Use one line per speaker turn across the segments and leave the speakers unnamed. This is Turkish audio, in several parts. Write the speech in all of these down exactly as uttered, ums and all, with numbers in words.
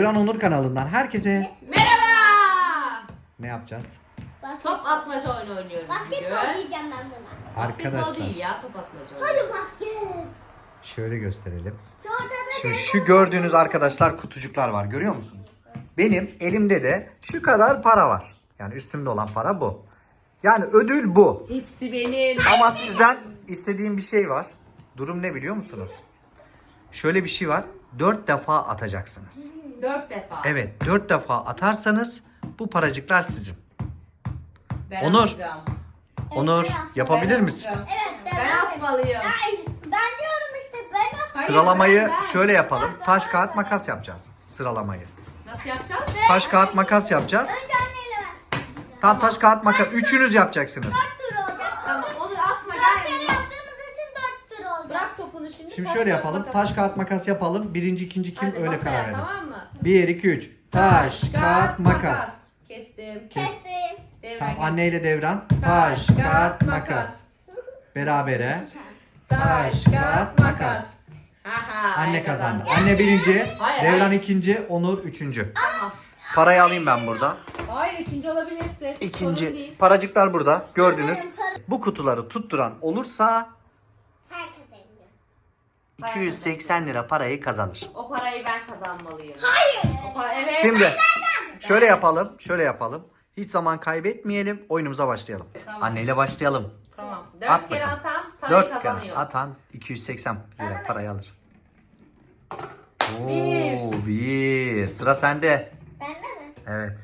Devran Onur kanalından herkese
Merhaba.
ne yapacağız?
Top atmaca oyunu oynuyoruz
Basketbol
bugün.
diyeceğim ben buna.
Basketbol
Arkadaşlar
değil ya, top atmaca oyunu.
Hadi basket.
şöyle gösterelim.
Sonra da
Şimdi şu gördüğünüz arkadaşlar kutucuklar var, görüyor musunuz? Benim elimde de şu kadar para var. Yani üstümde olan para bu. Yani ödül bu.
Hepsi benim.
Ama sizden istediğim bir şey var. Durum ne biliyor musunuz? Şöyle bir şey var. Dört defa atacaksınız.
Dört defa.
Evet, dört defa atarsanız bu paracıklar sizin.
Ben
Onur.
atacağım.
Onur, yapabilir
Ben
misin?
atacağım.
Evet,
Ben atmalıyım.
Ay, ben diyorum işte ben at.
Hayır,
Sıralamayı
ben- ben-
şöyle yapalım. Taş, kağıt, makas yapacağız. Sıralamayı.
Nasıl yapacağız?
Taş, kağıt, makas yapacağız.
Önce anneyle ver.
Tam taş, kağıt, makas. Üçünüz yapacaksınız.
Dört tur olacak.
Tamam, Onur atma
Dört kere
gel.
yaptığımız için dört tur olacak.
Bırak topunu şimdi.
Şimdi
taş,
şöyle
kağıt,
yapalım.
makas.
Taş, kağıt, makas yapalım. Birinci, ikinci kim
Hadi
öyle
masaya,
karar verelim.
tamam mı?
Bir, iki, üç. Taş, kağıt, makas.
Kestim.
Kestim.
Devran
Tamam,
gel.
anneyle Devran. Taş, kağıt, makas. Berabere. Taş, kağıt, makas.
Aha,
Anne
ben
kazandı.
kazandım.
Anne birinci,
Hayır,
Devran
hayır.
ikinci, Onur üçüncü.
Tamam.
Parayı alayım ben burada.
Hayır, ikinci olabilirsin. Sorun
İkinci.
değil.
Paracıklar burada. Gördünüz. Bu kutuları tutturan olursa
Herkes eliyor.
iki yüz seksen lira parayı kazanır.
O parayı ben kazanmalıyım.
Hayır.
O para, evet.
Şimdi şöyle yapalım. Şöyle yapalım. Hiç zaman kaybetmeyelim. Oyunumuza başlayalım.
Tamam.
Anneyle başlayalım.
Tamam. Dört
At
kere
bakalım.
atan parayı
Dört
kazanıyor.
kere atan iki yüz seksen lira parayı alır. Oo,
Bir.
bir. Sıra sende.
Bende mi?
Evet.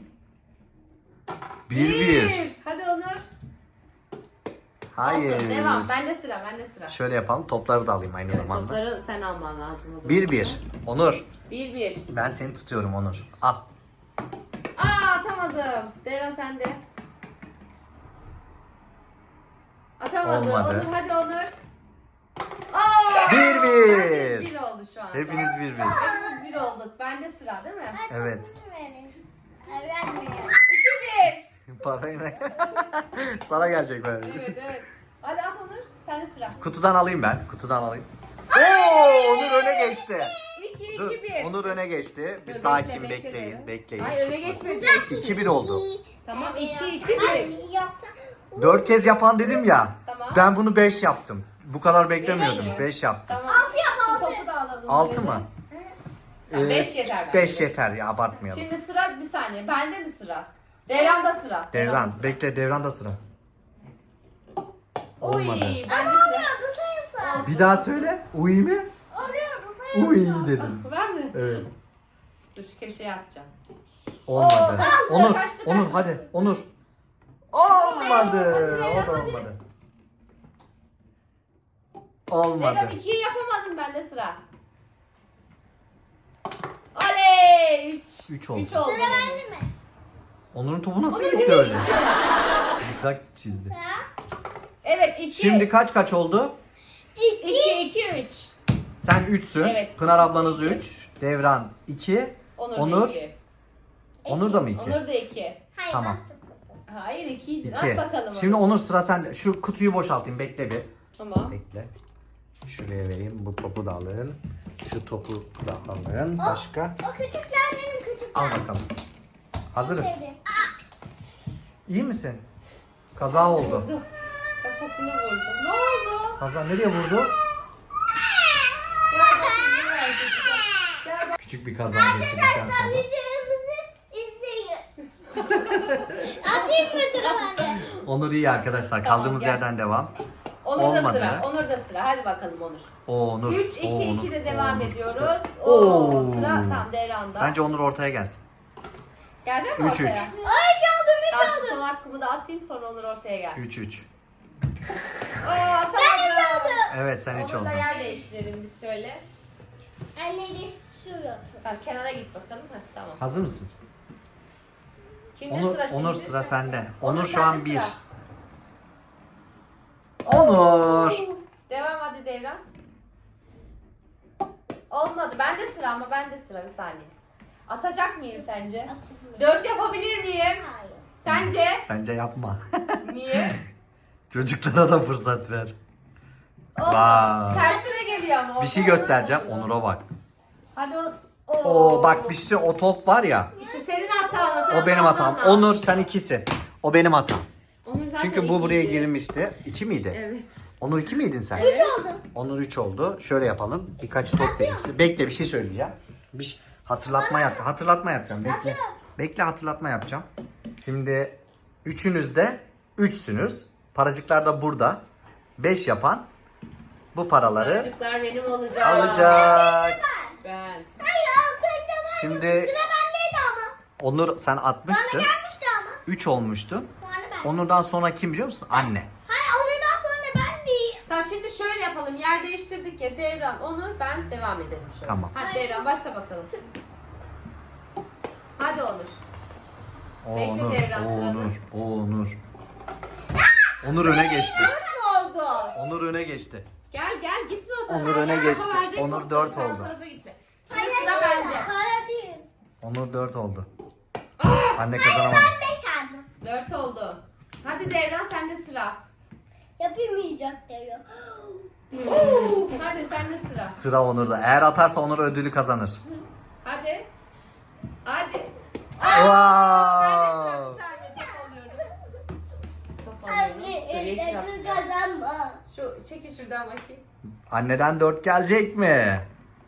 Bir bir.
Hadi Onur.
Hayır.
Olsun, devam. Bende sıra, bende sıra.
Şöyle yapalım. Topları da alayım aynı
Evet,
zamanda.
topları sen alman lazım o zaman.
Bir bir. Onur.
Bir bir.
Ben seni tutuyorum Onur. Al.
Aa, atamadım. Devran sende. Atamadı.
Olmadı.
Onur, hadi Onur. Aa!
Bir bir.
Herkes bir oldu şu an.
Hepiniz bir bir.
Hepimiz bir olduk. Bende sıra değil mi?
Evet.
Verin. Ay, vermiyor.
İki bir.
Parayı ne? Sana gelecek böyle.
Evet evet. Hadi at Onur. Sende sıra.
Kutudan alayım ben. Kutudan alayım. Oo, Onur öne geçti.
İki,
Dur.
iki, bir.
Onur öne geçti. Bir
Dur,
sakin
bekle, bekle
bekleyin.
dedim.
Bekleyin.
Hayır öne geçmedi.
iki bir oldu.
Tamam iki, iki, bir.
Ay, yoksa
Dört kez yapan dedim ya.
Tamam.
Ben bunu beş yaptım. Bu kadar beklemiyordum.
Beş.
beş yaptım.
Tamam.
Altı yap,
Şu
altı.
topu da alalım.
altı
böyle.
mı?
Tamam,
Ee,
beş yeter bence.
beş yeter ya, abartmayalım.
Şimdi sıra bir saniye. Bende mi sıra? Devran'da sıra.
Devran.
sıra.
Bekle, Devran'da sıra.
Oy,
Olmadı.
bende sıra.
oluyordu sayısı.
Olsun.
Bir daha söyle. Uy mi?
Oluyordu sayısı.
Uy dedim.
Ben mi?
Evet.
Dur şu köşeye atacağım.
Olmadı.
Oo, kaçtı,
Onur,
kaçtı,
Onur
kaçtı.
hadi. Onur. Olmadı.
Hadi,
O da
hadi.
olmadı.
Devran
Olmadı.
ikiyi yapamadın, bende sıra. Oley! Üç.
Üç oldu.
Üç oldu.
Sıra bende mi?
Onur'un topu nasıl gitti öyle? Zikzak çizdi.
Evet iki.
Şimdi kaç kaç oldu?
iki, iki, üç.
Sen üçsün.
Evet.
Pınar ablanız üç. Devran iki.
Onur,
Onur.
da iki.
Onur da mı iki?
Onur da iki.
Hayır,
Tamam.
ben sıfırdım.
Hayır ikiydi.
İki.
At bakalım.
Şimdi
onu.
Onur sıra sende. Şu kutuyu boşaltayım. Bekle bir.
Tamam.
Bekle. Şuraya vereyim. Bu topu da alın. Şu topu da alın. Başka.
O küçükler benim küçükler.
Al bakalım. Hazırız.
Dedi.
İyi misin? Kaza oldu.
Vurdu. Kafasını vurdu. Ne oldu?
Kaza nereye vurdu?
Gel bakayım, ne var çocuklar? Gel bak.
Küçük bir kaza geçirdikten sonra.
Videomuzu izleyin. Atayım mı sıra bende?
Onur iyi arkadaşlar.
Tamam,
Kaldığımız
gel.
yerden devam.
Onur
Olmadı.
da sıra. Onur da sıra. Hadi bakalım Onur.
O Onur.
üç, iki,
o Onur,
iki de
o
devam
Onur.
ediyoruz.
Oo.
Oo, sıra tam Devran'da.
Bence Onur ortaya gelsin.
Gelecek mi
üç,
ortaya?
üç.
Ay çaldım hiç
Ben şu
aldım.
son hakkımı da atayım, sonra Onur ortaya gelsin.
üç üç.
Oo, atamadım.
Evet sen üç
Onur'la
oldun.
yer değiştirelim biz şöyle.
Anne de şu yoksa.
Sen kenara git bakalım. Heh, tamam.
Hazır mısınız?
Kimde
Onur,
sıra şimdi?
Onur sıra sende. Onur, şu
sende
an bir.
sıra.
Onur.
Devam hadi Devran. Olmadı. Bende sıra ama bende sıra, bir saniye. Atacak mıyım sence?
Atayım.
Dört yapabilir miyim?
Hayır.
Sence?
Bence yapma.
Niye?
Çocuklara da fırsat ver.
Olmadı.
Vay.
Tersine geliyor ama.
Bir şey
Olmadı.
göstereceğim. Onur'a bak.
Hadi o.
Oo bak bir şey, o top var ya.
İşte senin hatan. Sen
O benim
alman
hatam.
lazım.
Onur sen ikisin. O benim hatam.
Onur zaten
Çünkü bu buraya
ikiydi.
girmişti. İki miydi?
Evet.
Onur iki miydin sen?
Evet.
Oldu.
Onur üç oldu. Şöyle yapalım. Birkaç top vereyim size. Bekle bir şey söyleyeceğim. Bir şey- hatırlatma yap. Hatırlatma yapacağım. Bekle. Bekle hatırlatma yapacağım. Şimdi üçünüz de üçsünüz. Paracıklar da burada. Beş yapan bu paraları
Çocuklar benim olacak.
alacak.
Ben.
Hayır altında var.
Şimdi
Sıra bendeydi ama.
Onur sen atmıştın.
Gelmişti ama.
üç olmuştun.
Sonra ben.
Onur'dan sonra kim biliyor musun? Anne.
Hayır ondan sonra ben değil.
Tamam şimdi şöyle yapalım. Yer değiştirdik ya. Devran, Onur, ben devam edelim şöyle.
Tamam.
Hadi Devran başla bakalım. Hadi Onur.
O
Bekle
Onur.
Devran
O
sırada.
Onur. O Onur. Onur öne geçti.
Ne oldu?
Onur öne geçti.
Gel gel gitme o tarafa.
Onur öne
Gel,
geçti.
kafa verecek
Onur
topları,
dört
sen o
oldu.
tarafa gitme. Şimdi sıra bende.
Para değil.
Onur dört oldu. Anne kazanamadı.
Beş aldım.
Dört oldu. Hadi Devran sende sıra.
Yapamayacak diyor.
Hadi sende sıra.
Sıra Onur'da. Eğer atarsa Onur ödülü kazanır.
Hadi. Hadi.
Wow.
Sadece top alıyorum. Top alıyorum. Dur, yeşil atacağım.
kazanma.
Şu çekil şuradan bakayım.
Anneden dört gelecek mi?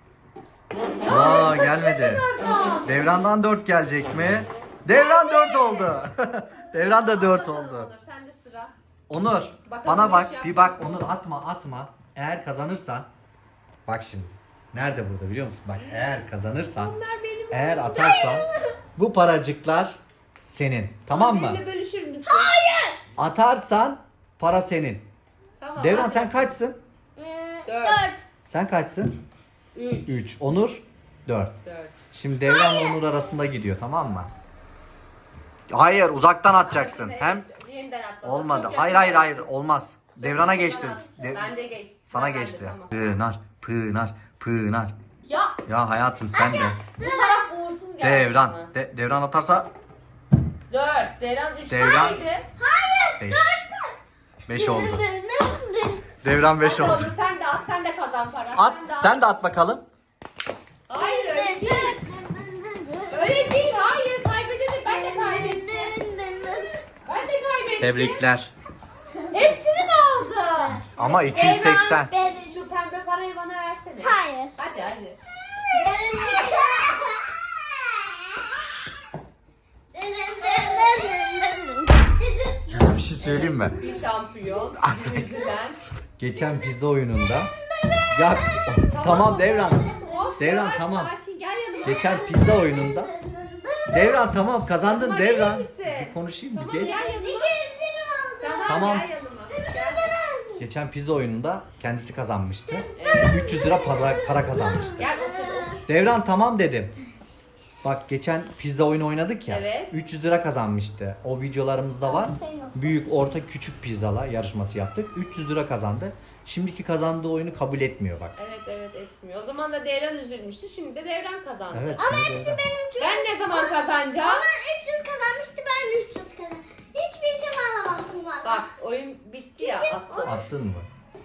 Aa gelmedi.
Oradan.
Devran'dan dört gelecek mi? Devran dört oldu. Devran da dört
Bakalım
oldu.
Onur, sende sıra.
Onur
Bakalım
bana
bu
bak
işi
bir
yapacak
bak
mı?
Onur atma atma. Eğer kazanırsan bak şimdi. Nerede burada biliyor musun? Bak eğer kazanırsan
Onlar benim.
eğer atarsan bu paracıklar senin. Tamam mı?
Benimle bölüşür müsün?
Atarsan para senin.
Tamam.
Devran
hadi.
sen kaçsın?
Dört.
Dört.
Sen kaçsın?
Üç.
üç. Onur dört.
Dört.
Şimdi Devran'la Onur arasında gidiyor tamam mı? Hayır uzaktan atacaksın.
Hadi,
Hem
yeniden atla.
olmadı.
Çok
Hayır
yakın
hayır
var.
hayır olmaz. Devran'a
Yakın
geçti.
var.
De-
Ben de geçti.
sana
Sıra bende,
geçti.
tamam.
Pınar, Pınar, Pınar.
Ya
Ya hayatım sen de.
bu taraf uğursuz geldi.
Devran.
bana.
De- Devran atarsa
Dört. Devran üç
Devran.
taneydi.
beş. beş oldu. Devran beş
Hadi
oldu.
Onur sen de at sen de kazan para.
At,
Sen de at.
sen de at bakalım.
Hayır öyle değil. Öyle değil hayır kaybedelim ben de kaybettim. Ben de kaybettim.
Tebrikler.
Hepsini mi aldın?
Ama iki yüz seksen.
Şu pembe parayı bana versene.
Hayır.
Hadi hadi.
Bir şey söyleyeyim mi?
Bir şampiyon.
Az-
Yüzülen.
Geçen pizza oyununda ya tamam Devran.
Of,
Devran,
yavaş,
tamam.
Sakin gel yanıma.
Geçen pizza oyununda Devran tamam kazandın
Tamam,
Devran.
gelir misin?
Bir konuşayım bir
Tamam
geç.
gel yanıma. Tamam,
Tamam.
gel yanıma. Gel.
Geçen pizza oyununda kendisi kazanmıştı. üç yüz lira para, para kazanmıştı.
Gel otur otur.
Devran tamam dedim. Bak geçen pizza oyunu oynadık ya.
Evet.
üç yüz lira kazanmıştı. O videolarımızda var. Büyük, orta, küçük pizzalar yarışması yaptık. üç yüz lira kazandı. Şimdiki kazandığı oyunu kabul etmiyor bak.
Evet evet etmiyor. O zaman da Devran üzülmüştü. Şimdi de Devran kazandı.
Evet. şimdi Devran.
Ben ne zaman kazanacağım?
Onlar üç yüz kazanmıştı ben üç yüz kazandım. Hiçbir zaman alamazsın valla.
Bak oyun bitti ya attı.
Attın mı?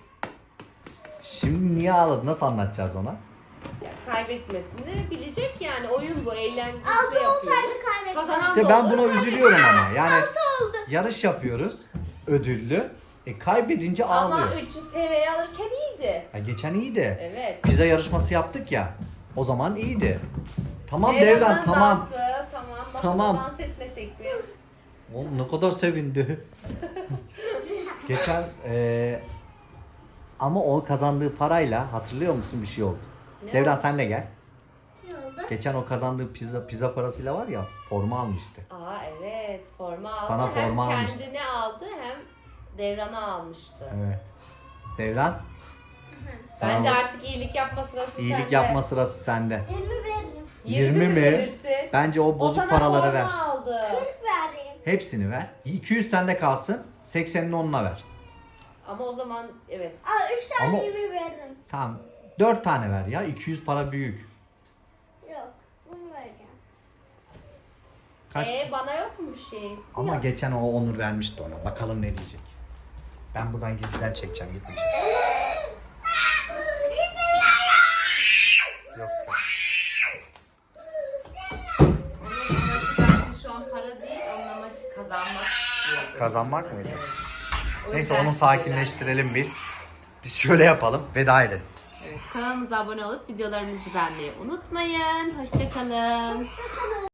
Şimdi niye ağladı? Nasıl anlatacağız ona?
Ya, kaybetmesini bilecek yani. Oyun bu. Eğlencesi
Altı
yapıyoruz.
olsaydı kaybettim.
Kazanan
İşte
da
ben
olur,
buna
kaybeden-
üzülüyorum ama. Yani
oldu.
yarış yapıyoruz. Ödüllü. E kaybedince
Ama
ağlıyor.
üç yüz T L'yi alırken iyiydi.
Ya geçen iyiydi.
Evet.
Pizza yarışması yaptık ya. O zaman iyiydi. Tamam
Devran'ın
Devran tamam.
Dansı, tamam. Masada
Tamam.
dans etmesek mi?
Oğlum ne kadar sevindi. Geçen eee, ama o kazandığı parayla hatırlıyor musun bir şey oldu.
Ne
Devran
oldu?
sen de gel.
Ne oldu?
Geçen o kazandığı pizza pizza parasıyla var ya forma almıştı.
Aa evet. Forma aldı.
Sana
hem
forma
kendine
almıştı.
aldı hem Devran'a almıştı.
Evet. Devran. sana
Bence
o
artık iyilik yapma sırası
iyilik
sende.
yapma sırası sende.
yirmi veririm.
yirmi mi?
verirsin?
Bence o
O
bozuk
sana
paraları
forma
ver.
aldı.
kırk vereyim.
Hepsini ver. iki yüz sende kalsın. seksenini onunla ver.
Ama o zaman evet.
Aa üç tane
Ama-
yirmi veririm.
Tamam. dört tane ver ya. iki yüz para büyük.
Yok bunu vereceğim.
Kaç?
Ee, bana yok mu bir şey?
Ama geçen o Onur vermişti ona. Bakalım ne diyecek. Ben buradan gizliden çekeceğim. Gitmeyeceğim. Yok.
Kazanmak istiyordum.
Kazanmak mıydı?
Evet. O
Neyse
yüzden
onu sakinleştirelim biz. Biz şöyle yapalım. Veda edelim.
Evet, kanalımıza abone olup videolarımızı beğenmeyi unutmayın. Hoşçakalın.
Bakalım.